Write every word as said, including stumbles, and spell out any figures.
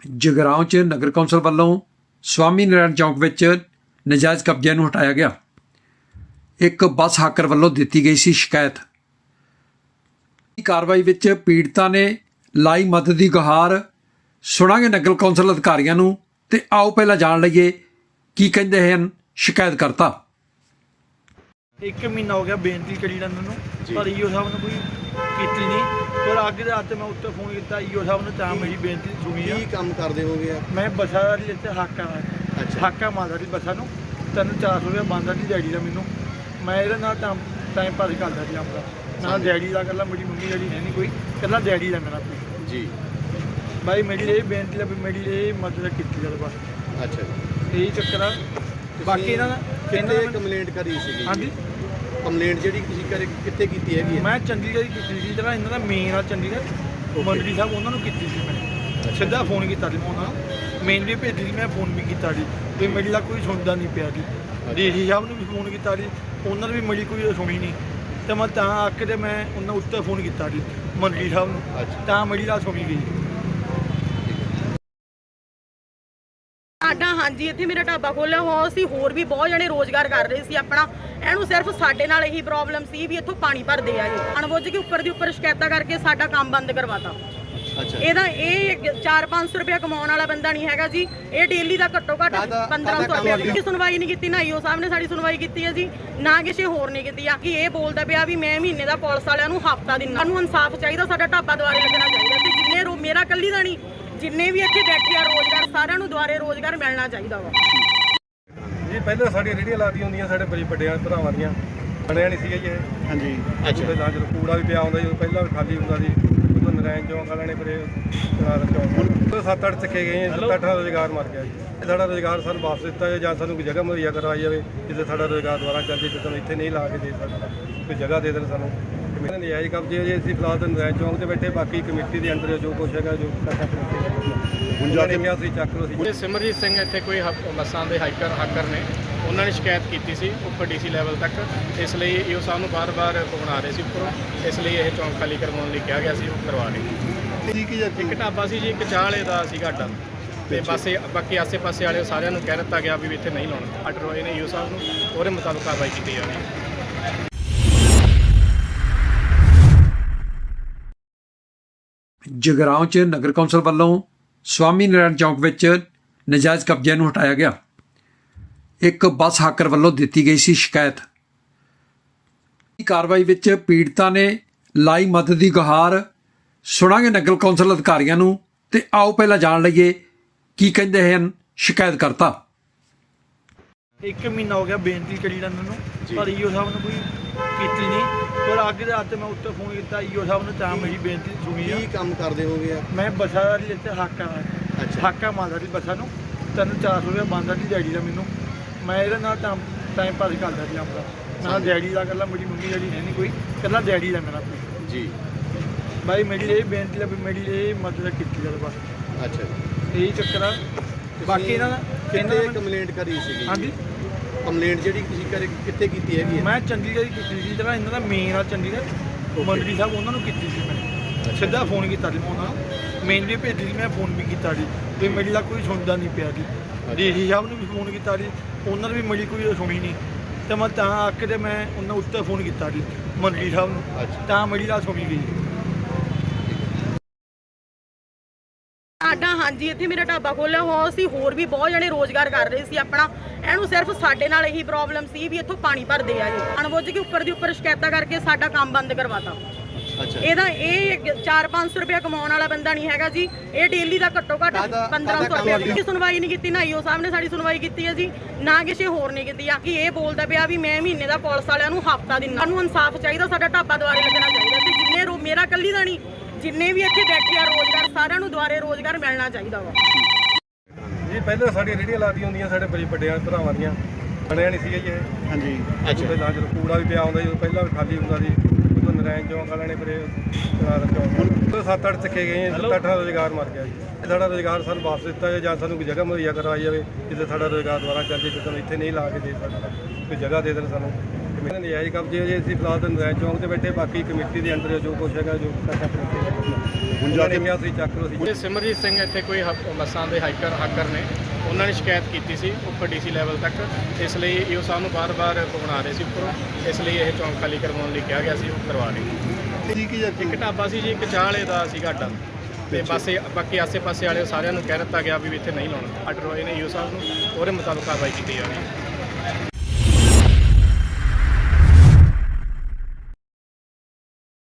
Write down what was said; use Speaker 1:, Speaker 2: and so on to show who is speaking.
Speaker 1: ਜਗਰਾਉਂ 'ਚ ਨਗਰ ਕੌਂਸਲ ਵੱਲੋਂ ਸਵਾਮੀ ਨਾਰਾਇਣ ਚੌਂਕ ਵਿੱਚ ਨਜਾਇਜ਼ ਕਬਜ਼ਿਆਂ ਨੂੰ ਹਟਾਇਆ ਗਿਆ। ਇੱਕ ਬੱਸ ਹਾਕਰ ਵੱਲੋਂ ਦਿੱਤੀ ਗਈ ਸੀ ਸ਼ਿਕਾਇਤ। ਕਾਰਵਾਈ ਵਿੱਚ ਪੀੜਤਾਂ ਨੇ ਲਾਈ ਮਦਦ ਦੀ ਗੁਹਾਰ। ਸੁਣਾਂਗੇ ਨਗਰ ਕੌਂਸਲ ਅਧਿਕਾਰੀਆਂ ਨੂੰ ਤੇ ਆਓ ਪਹਿਲਾਂ ਜਾਣ ਲਈਏ ਕੀ ਕਹਿੰਦੇ ਹਨ ਸ਼ਿਕਾਇਤਕਰਤਾ।
Speaker 2: ਇੱਕ ਮਹੀਨਾ ਹੋ ਗਿਆ ਬੇਨਤੀ ਕਰੀ ਜਾਂਦੇ ਨੂੰ, ਪਰ ਈਓ ਸਾਹਿਬ ਨੇ ਕੋਈ ਕੀਤੀ ਨਹੀਂ। ਫਿਰ ਅੱਗੇ ਦੇ ਹੱਥ ਮੈਂ ਉੱਤੇ ਫੋਨ ਕੀਤਾ ਈਓ ਸਾਹਿਬ ਨੇ, ਤਾਂ ਮੇਰੀ ਬੇਨਤੀ ਸੁਣੀ।
Speaker 3: ਕੀ ਕੰਮ ਕਰਦੇ ਹੋਗੇ?
Speaker 2: ਮੈਂ ਬੱਸਾਂ ਦਾ ਇੱਥੇ ਹਾਕਾ
Speaker 3: ਅੱਛਾ
Speaker 2: ਹਾਕਾ ਮਾਰਦਾ ਸੀ ਬੱਸਾਂ ਨੂੰ। ਤਿੰਨ ਚਾਰ ਸੌ ਰੁਪਇਆ ਬਣਦਾ ਸੀ ਡੈਡੀ ਦਾ ਮੈਨੂੰ। ਮੈਂ ਇਹਦੇ ਨਾਲ ਟਾਈਮ ਟਾਈਮ ਪਾਸ ਕਰਦਾ ਸੀ ਆਪਦਾ। ਨਾ ਡੈਡੀ ਦਾ ਇਕੱਲਾ, ਮੇਰੀ ਮੰਮੀ ਡੈਡੀ ਹੈ ਨਹੀਂ ਕੋਈ, ਇਕੱਲਾ ਡੈਡੀ ਦਾ ਮੇਰਾ ਕੋਈ
Speaker 3: ਜੀ।
Speaker 2: ਬਾਈ ਮੇਰੀ ਇਹ ਬੇਨਤੀ ਹੈ ਵੀ ਮੇਰੀ ਇਹ ਮਦਦ ਕੀਤੀ ਜਾਵੇ ਬਸ।
Speaker 3: ਅੱਛਾ ਜੀ,
Speaker 2: ਇਹੀ ਚੱਕਰ ਆ। ਬਾਕੀ ਇਹਨਾਂ ਦਾ
Speaker 3: ਕਿੰਨੇ ਕੰਪਲੇਂਟ ਕਰੀ ਸੀਗੀ?
Speaker 2: ਹਾਂਜੀ,
Speaker 3: ਕੰਪਲੇਂਟ ਜਿਹੜੀ ਤੁਸੀਂ ਕਰੇ ਕਿੱਥੇ ਕੀਤੀ ਹੈਗੀ?
Speaker 2: ਮੈਂ ਚੰਡੀਗੜ੍ਹ ਹੀ ਕੀਤੀ ਸੀ। ਜਿਹੜਾ ਇਹਨਾਂ ਦਾ ਮੇਨ ਆ ਚੰਡੀਗੜ੍ਹ ਮੰਤਰੀ ਸਾਹਿਬ, ਉਹਨਾਂ ਨੂੰ ਕੀਤੀ ਸੀ ਮੈਂ। ਸਿੱਧਾ ਫੋਨ ਕੀਤਾ ਸੀ ਮੈਂ ਉਹਨਾਂ ਨੂੰ, ਮੇਨ ਵੀ ਭੇਜੀ ਸੀ ਮੈਂ, ਫੋਨ ਵੀ ਕੀਤਾ ਸੀ ਵੀ ਮੇਰੀ ਦਾ ਕੋਈ ਸੁਣਦਾ ਨਹੀਂ ਪਿਆ ਜੀ। ਡੀ ਸਾਹਿਬ ਨੂੰ ਵੀ ਫੋਨ ਕੀਤਾ ਸੀ, ਉਹਨਾਂ ਨੇ ਵੀ ਮੇਰੀ ਕੋਈ ਸੁਣੀ ਨਹੀਂ। ਤੇ ਮੈਂ ਤਾਂ ਆ ਕੇ ਤੇ ਮੈਂ ਉਹਨਾਂ ਉੱਤੇ ਫੋਨ ਕੀਤਾ ਸੀ ਮੰਤਰੀ ਸਾਹਿਬ ਨੂੰ, ਤਾਂ ਮੇਰੀ ਦਾ ਸੁਣੀ ਗਈ।
Speaker 4: ਸਾਡਾ ਹਾਂਜੀ ਇੱਥੇ ਮੇਰਾ ਢਾਬਾ ਖੋਲ੍ਹਿਆ ਹੋਇਆ ਸੀ, ਹੋਰ ਵੀ ਬਹੁਤ ਜਣੇ ਰੋਜ਼ਗਾਰ ਕਰ ਰਹੇ ਸੀ ਆਪਣਾ। ਇਹਨੂੰ ਸਿਰਫ ਸਾਡੇ ਨਾਲ ਇਹੀ ਪ੍ਰੋਬਲਮ ਸੀ ਵੀ ਇੱਥੋਂ ਪਾਣੀ ਭਰਦੇ ਆ ਜੀ, ਅਣਬੁੱਝ ਕੇ ਉੱਪਰ ਦੀ ਉੱਪਰ ਸ਼ਿਕਾਇਤਾਂ ਕਰਕੇ ਸਾਡਾ ਕੰਮ ਬੰਦ ਕਰਵਾਤਾ। ਇਹਦਾ ਇਹ ਚਾਰ ਪੰਜ ਸੌ ਰੁਪਇਆ ਕਮਾਉਣ ਵਾਲਾ ਬੰਦਾ ਨਹੀਂ ਹੈਗਾ ਜੀ। ਇਹ ਡੇਲੀ ਦਾ ਘੱਟੋ ਘੱਟ ਪੰਦਰਾਂ ਸੌ ਰੁਪਇਆ ਦੀ ਸੁਣਵਾਈ ਨਹੀਂ ਕੀਤੀ। ਨਾ ਈਓ ਸਾਹਿਬ ਨੇ ਸਾਡੀ ਸੁਣਵਾਈ ਕੀਤੀ ਹੈ ਜੀ, ਨਾ ਕਿਸੇ ਹੋਰ ਨੇ ਕੀਤੀ ਆ। ਕਿ ਇਹ ਬੋਲਦਾ ਪਿਆ ਵੀ ਮੈਂ ਮਹੀਨੇ ਦਾ ਪੁਲਿਸ ਵਾਲਿਆਂ ਨੂੰ ਹਫ਼ਤਾ ਦਿੰਦਾ। ਸਾਨੂੰ ਇਨਸਾਫ ਚਾਹੀਦਾ, ਸਾਡਾ ਢਾਬਾ ਦੁਆਰੇ ਲੱਗਣਾ ਚਾਹੀਦਾ। ਤੇ ਜਿੰਨੇ ਮੇਰਾ ਇਕੱਲੀ ਦਾ ਨਹੀਂ, ਜਿੰਨੇ ਵੀ ਇੱਥੇ ਬੈਠੇ ਆ ਰੋਜ਼ਗਾਰ, ਸਾਰਿਆਂ ਨੂੰ ਦੁਆਰੇ ਰੋਜ਼ਗਾਰ ਮਿਲਣਾ ਚਾਹੀਦਾ ਵਾ
Speaker 5: ਜੀ। ਪਹਿਲਾਂ ਸਾਡੀਆਂ ਰੇਹੜੀਆਂ ਲੱਗਦੀਆਂ ਹੁੰਦੀਆਂ ਸਾਡੇ ਬੜੇ ਵੱਡਿਆਂ ਭਰਾਵਾਂ ਦੀਆਂ, ਬਣਿਆ ਨਹੀਂ ਸੀਗਾ ਜੀ ਇਹ। ਹਾਂਜੀ ਅੱਛਾ। ਜਦੋਂ ਕੂੜਾ ਵੀ ਪਿਆ ਹੁੰਦਾ, ਜਦੋਂ ਪਹਿਲਾਂ ਵੀ ਖਾਲੀ ਹੁੰਦਾ ਸੀ, ਉਦੋਂ ਨਾਰਾਇਣ ਚੌਂਕ ਵਾਲਿਆਂ ਨੇ ਫਿਰ ਚੌਂਕ ਸੱਤ ਅੱਠ ਚੱਕੇ ਗਏ, ਸੱਤ ਅੱਠ ਦਾ ਰੁਜ਼ਗਾਰ ਮਰ ਗਿਆ ਜੀ। ਸਾਡਾ ਰੁਜ਼ਗਾਰ ਸਾਨੂੰ ਵਾਪਸ ਦਿੱਤਾ ਜਾਵੇ ਜਾਂ ਸਾਨੂੰ ਕੋਈ ਜਗ੍ਹਾ ਮੁਹੱਈਆ ਕਰਵਾਈ ਜਾਵੇ ਜਿੱਥੇ ਸਾਡਾ ਰੁਜ਼ਗਾਰ ਦੁਬਾਰਾ ਚੱਲ ਜੇ। ਜਦੋਂ ਇੱਥੇ ਨਹੀਂ ਲਾ ਕੇ ਦੇ ਸਕਦਾ, ਕੋਈ ਜਗ੍ਹਾ ਦੇ ਦੇਣ ਸਾਨੂੰ। ਮੇਰੇ ਨਜਾਇਜ਼ ਕਬਜ਼ੇ ਜੇ ਅਸੀਂ ਫਿਲਹਾਲ ਤਾਂ ਨਾਰਾਇਣ ਚੌਂਕ 'ਤੇ ਬੈਠੇ, ਬਾਕੀ ਕਮੇਟੀ ਦੇ ਅੰਦਰ ਜੋ ਕੁਛ ਹੈਗਾ, ਜੋ ਹੁਣ ਜਾ ਕੇ ਕਿਹਾ ਅਸੀਂ ਚੱਕ ਲਓ। ਅਸੀਂ
Speaker 6: ਸਿਮਰਜੀਤ ਸਿੰਘ ਇੱਥੇ ਕੋਈ ਬੱਸਾਂ ਦੇ ਹਾਈਕਰ ਹਾਕਰ ਨੇ, ਉਹਨਾਂ ਨੇ ਸ਼ਿਕਾਇਤ ਕੀਤੀ ਸੀ ਉੱਪਰ ਡੀਸੀ ਲੈਵਲ ਤੱਕ। ਇਸ ਲਈ ਈਓ ਸਾਹਿਬ ਨੂੰ ਬਾਰ-ਬਾਰ ਬਣਾ ਰਹੇ ਸੀ ਉੱਪਰੋਂ, ਇਸ ਲਈ ਇਹ ਚੌਂਕ ਖਾਲੀ ਕਰਵਾਉਣ ਲਈ ਕਿਹਾ ਗਿਆ ਸੀ, ਉਹ ਕਰਵਾ ਲਈ। ਇੱਕ ਢਾਬਾ ਸੀ ਜੀ, ਇੱਕ ਚਾਹ ਵਾਲੇ ਦਾ ਸੀਗਾ ਅੱਡਾ, ਤੇ ਬਸ ਬਾਕੀ ਆਸੇ-ਪਾਸੇ ਵਾਲੇ ਸਾਰਿਆਂ ਨੂੰ ਕਹਿ ਦਿੱਤਾ ਗਿਆ ਵੀ ਇੱਥੇ ਨਹੀਂ ਲਾਉਣਾ। ਆਰਡਰ ਹੋਏ ਨੇ ਈਓ ਸਾਹਿਬ ਨੂੰ, ਉਹਦੇ ਮੁਤਾਬਕ ਕਾਰਵਾਈ ਕੀਤੀ ਜਾਵੇ।
Speaker 1: ਜਗਰਾਉਂ 'ਚ ਨਗਰ ਕੌਂਸਲ ਵੱਲੋਂ ਸਵਾਮੀ ਨਾਰਾਇਣ ਚੌਂਕ ਵਿੱਚ ਨਜਾਇਜ਼ ਕਬਜ਼ਿਆਂ ਨੂੰ ਹਟਾਇਆ ਗਿਆ। ਇੱਕ ਬੱਸ ਹਾਕਰ ਵੱਲੋਂ ਦਿੱਤੀ ਗਈ ਸੀ ਸ਼ਿਕਾਇਤ। ਕਾਰਵਾਈ ਵਿੱਚ ਪੀੜਤਾਂ ਨੇ ਲਾਈ ਮਦਦ ਦੀ ਗੁਹਾਰ। ਸੁਣਾਂਗੇ ਨਗਰ ਕੌਂਸਲ ਅਧਿਕਾਰੀਆਂ ਨੂੰ ਤੇ ਆਓ ਪਹਿਲਾਂ ਜਾਣ ਲਈਏ ਕੀ ਕਹਿੰਦੇ ਹਨ ਸ਼ਿਕਾਇਤਕਰਤਾ।
Speaker 2: ਇੱਕ ਮਹੀਨਾ ਹੋ ਗਿਆ ਬੇਨਤੀ ਕਰੀ ਜਾਂਦੇ ਨੂੰ, ਪਰ ਈਓ ਸਾਹਿਬ ਨੇ ਕੋਈ ਕੀਤੀ ਨਹੀਂ। ਫਿਰ ਅੱਗੇ ਦੇ ਹੱਥ ਮੈਂ ਉੱਤੇ ਫੋਨ ਕੀਤਾ ਈਓ ਸਾਹਿਬ ਨੇ, ਤਾਂ ਮੇਰੀ ਬੇਨਤੀ ਸੁਣੀ।
Speaker 3: ਕੀ ਕੰਮ ਕਰਦੇ ਹੋਗੇ?
Speaker 2: ਮੈਂ ਬੱਸਾਂ ਦਾ ਇੱਥੇ ਹਾਕਾ ਹਾਕਾ ਮਾਰਦਾ ਸੀ ਬੱਸਾਂ ਨੂੰ। ਤਿੰਨ ਚਾਰ ਸੌ ਰੁਪਇਆ ਬਣਦਾ ਸੀ ਡੈਡੀ ਦਾ ਮੈਨੂੰ। ਮੈਂ ਇਹਦੇ ਨਾਲ ਟਾਈਮ ਟਾਈਮ ਪਾਸ ਕਰਦਾ ਸੀ ਆਪਦਾ। ਨਾ ਡੈਡੀ ਦਾ ਇਕੱਲਾ, ਮੇਰੀ ਮੰਮੀ ਡੈਡੀ ਹੈ ਨਹੀਂ ਕੋਈ, ਇਕੱਲਾ ਡੈਡੀ ਦਾ ਮੇਰਾ ਕੋਈ
Speaker 3: ਜੀ।
Speaker 2: ਬਾਈ ਮੇਰੀ ਇਹ ਬੇਨਤੀ ਹੈ ਵੀ ਮੇਰੀ ਇਹ ਮਦਦ ਕੀਤੀ ਜਾਵੇ ਬਸ।
Speaker 3: ਅੱਛਾ ਜੀ,
Speaker 2: ਇਹੀ ਚੱਕਰ ਆ। ਬਾਕੀ ਇਹਨਾਂ ਦਾ
Speaker 3: ਕਿੰਨੇ ਕੰਪਲੇਂਟ ਕਰੀ ਸੀਗੀ?
Speaker 2: ਹਾਂਜੀ,
Speaker 3: ਕੰਪਲੇਂਟ ਜਿਹੜੀ ਤੁਸੀਂ ਕਰੇ ਕਿੱਥੇ ਕੀਤੀ ਹੈਗੀ?
Speaker 2: ਮੈਂ ਚੰਡੀਗੜ੍ਹ ਹੀ ਕੀਤੀ ਸੀ। ਜਿਹੜਾ ਇਹਨਾਂ ਦਾ ਮੇਨ ਆ ਚੰਡੀਗੜ੍ਹ ਮੰਤਰੀ ਸਾਹਿਬ, ਉਹਨਾਂ ਨੂੰ ਕੀਤੀ ਸੀ ਮੈਂ। ਸਿੱਧਾ ਫੋਨ ਕੀਤਾ ਸੀ ਮੈਂ ਉਹਨਾਂ ਨੂੰ, ਮੇਨ ਵੀ ਭੇਜੀ ਸੀ ਮੈਂ, ਫੋਨ ਵੀ ਕੀਤਾ ਸੀ ਵੀ ਮੇਰੀ ਦਾ ਕੋਈ ਸੁਣਦਾ ਨਹੀਂ ਪਿਆ ਜੀ। ਡੀ ਸਾਹਿਬ ਨੂੰ ਵੀ ਫੋਨ ਕੀਤਾ ਸੀ, ਉਹਨਾਂ ਨੇ ਵੀ ਮੇਰੀ ਕੋਈ ਸੁਣੀ ਨਹੀਂ। ਤੇ ਮੈਂ ਤਾਂ ਆ ਕੇ ਤੇ ਮੈਂ ਉਹਨਾਂ ਉੱਤੇ ਫੋਨ ਕੀਤਾ ਸੀ ਮੰਤਰੀ ਸਾਹਿਬ ਨੂੰ, ਤਾਂ ਮੇਰੀ ਦਾ ਸੁਣੀ ਗਈ।
Speaker 4: ਸਾਡਾ ਹਾਂਜੀ ਇੱਥੇ ਮੇਰਾ ਢਾਬਾ ਖੋਲ੍ਹਿਆ ਹੋਇਆ ਸੀ, ਹੋਰ ਵੀ ਬਹੁਤ ਜਣੇ ਰੋਜ਼ਗਾਰ ਕਰ ਰਹੇ ਸੀ ਆਪਣਾ। ਇਹਨੂੰ ਸਿਰਫ ਸਾਡੇ ਨਾਲ ਇਹੀ ਪ੍ਰੋਬਲਮ ਸੀ ਵੀ ਇੱਥੋਂ ਪਾਣੀ ਭਰਦੇ ਆ ਜੀ, ਅਣਬੁੱਝ ਕੇ ਉੱਪਰ ਦੀ ਉੱਪਰ ਸ਼ਿਕਾਇਤਾਂ ਕਰਕੇ ਸਾਡਾ ਕੰਮ ਬੰਦ ਕਰਵਾਤਾ। ਇਹਦਾ ਇਹ ਚਾਰ ਪੰਜ ਸੌ ਰੁਪਇਆ ਕਮਾਉਣ ਵਾਲਾ ਬੰਦਾ ਨਹੀਂ ਹੈਗਾ ਜੀ। ਇਹ ਡੇਲੀ ਦਾ ਘੱਟੋ ਘੱਟ ਪੰਦਰਾਂ ਸੌ ਰੁਪਇਆ ਦੀ ਸੁਣਵਾਈ ਨਹੀਂ ਕੀਤੀ। ਨਾ ਈਓ ਸਾਹਿਬ ਨੇ ਸਾਡੀ ਸੁਣਵਾਈ ਕੀਤੀ ਹੈ ਜੀ, ਨਾ ਕਿਸੇ ਹੋਰ ਨੇ ਕੀਤੀ ਆ। ਕਿ ਇਹ ਬੋਲਦਾ ਪਿਆ ਵੀ ਮੈਂ ਮਹੀਨੇ ਦਾ ਪੁਲਿਸ ਵਾਲਿਆਂ ਨੂੰ ਹਫ਼ਤਾ ਦਿੰਦਾ। ਸਾਨੂੰ ਇਨਸਾਫ ਚਾਹੀਦਾ, ਸਾਡਾ ਢਾਬਾ ਦੁਆਰੇ ਲੱਗਣਾ ਚਾਹੀਦਾ। ਤੇ ਜਿੰਨੇ ਮੇਰਾ ਇਕੱਲੀ ਦਾ ਨਹੀਂ, ਜਿੰਨੇ ਵੀ ਇੱਥੇ ਬੈਠੇ ਆ ਰੋਜ਼ਗਾਰ, ਸਾਰਿਆਂ ਨੂੰ ਦੁਆਰੇ ਰੋਜ਼ਗਾਰ ਮਿਲਣਾ ਚਾਹੀਦਾ ਵਾ
Speaker 5: ਜੀ। ਪਹਿਲਾਂ ਸਾਡੀਆਂ ਰੇਹੜੀਆਂ ਲੱਗਦੀਆਂ ਹੁੰਦੀਆਂ ਸਾਡੇ ਬੜੇ ਵੱਡਿਆਂ ਭਰਾਵਾਂ ਦੀਆਂ, ਬਣਿਆ ਨਹੀਂ ਸੀਗਾ ਜੀ ਇਹ। ਹਾਂਜੀ ਅੱਛਾ। ਜਦੋਂ ਕੂੜਾ ਵੀ ਪਿਆ ਹੁੰਦਾ, ਜਦੋਂ ਪਹਿਲਾਂ ਵੀ ਖਾਲੀ ਹੁੰਦਾ ਸੀ, ਉਦੋਂ ਨਾਰਾਇਣ ਚੌਂਕ ਵਾਲਿਆਂ ਨੇ ਫਿਰ ਚੌਂਕ ਸੱਤ ਅੱਠ ਚੱਕੇ ਗਏ, ਸੱਤ ਅੱਠ ਦਾ ਰੁਜ਼ਗਾਰ ਮਰ ਗਿਆ ਜੀ। ਸਾਡਾ ਰੁਜ਼ਗਾਰ ਸਾਨੂੰ ਵਾਪਸ ਦਿੱਤਾ ਜਾਵੇ ਜਾਂ ਸਾਨੂੰ ਕੋਈ ਜਗ੍ਹਾ ਮੁਹੱਈਆ ਕਰਵਾਈ ਜਾਵੇ ਜਿੱਥੇ ਸਾਡਾ ਰੁਜ਼ਗਾਰ ਦੁਬਾਰਾ ਚੱਲ ਜੇ। ਜਦੋਂ ਇੱਥੇ ਨਹੀਂ ਲਾ ਕੇ ਦੇ ਸਕਦਾ, ਕੋਈ ਜਗ੍ਹਾ ਦੇ ਦੇਣ ਸਾਨੂੰ। ਮੇਰੇ ਨਜਾਇਜ਼ ਕਬਜ਼ੇ ਜੇ ਅਸੀਂ ਫਿਲਹਾਲ ਤਾਂ ਨਾਰਾਇਣ ਚੌਂਕ 'ਤੇ ਬੈਠੇ, ਬਾਕੀ ਕਮੇਟੀ ਦੇ ਅੰਦਰ ਜੋ ਕੁਛ ਹੈਗਾ, ਜੋ
Speaker 3: ਹੁਣ
Speaker 5: ਜਾ ਕੇ ਕਿਹਾ ਸੀ ਚੱਕ ਲਓ ਸੀ
Speaker 6: ਤੇ ਸਿਮਰਜੀਤ ਸਿੰਘ ਇੱਥੇ ਕੋਈ ਹ- ਬੱਸਾਂ ਦੇ ਹਾਈਕਰ ਹਾਕਰ ਨੇ, ਉਹਨਾਂ ਨੇ ਸ਼ਿਕਾਇਤ ਕੀਤੀ ਸੀ ਉੱਪਰ ਡੀਸੀ ਲੈਵਲ ਤੱਕ। ਇਸ ਲਈ ਈਓ ਸਾਹਿਬ ਨੂੰ ਬਾਰ-ਬਾਰ ਬਣਾ ਰਹੇ ਸੀ ਉੱਪਰੋਂ, ਇਸ ਲਈ ਇਹ ਚੌਂਕ ਖਾਲੀ ਕਰਵਾਉਣ ਲਈ ਕਿਹਾ ਗਿਆ ਸੀ, ਉਹ ਕਰਵਾ ਰਹੇ।
Speaker 3: ਠੀਕ ਹੈ
Speaker 6: ਇੱਕ ਢਾਬਾ ਸੀ ਜੀ, ਇੱਕ ਚਾਹ ਵਾਲੇ ਦਾ ਸੀਗਾ ਅੱਡਾ, ਤੇ ਬਸ ਇਹ ਬਾਕੀ ਆਸੇ-ਪਾਸੇ ਵਾਲੇ ਸਾਰਿਆਂ ਨੂੰ ਕਹਿ ਦਿੱਤਾ ਗਿਆ ਵੀ ਇੱਥੇ ਨਹੀਂ ਲਾਉਣਾ। ਆਰਡਰ ਹੋਏ ਨੇ ਈਓ ਸਾਹਿਬ ਨੂੰ, ਉਹਦੇ ਮੁਤਾਬਕ ਕਾਰਵਾਈ ਕੀਤੀ ਜਾ ਰਹੀ ਹੈ।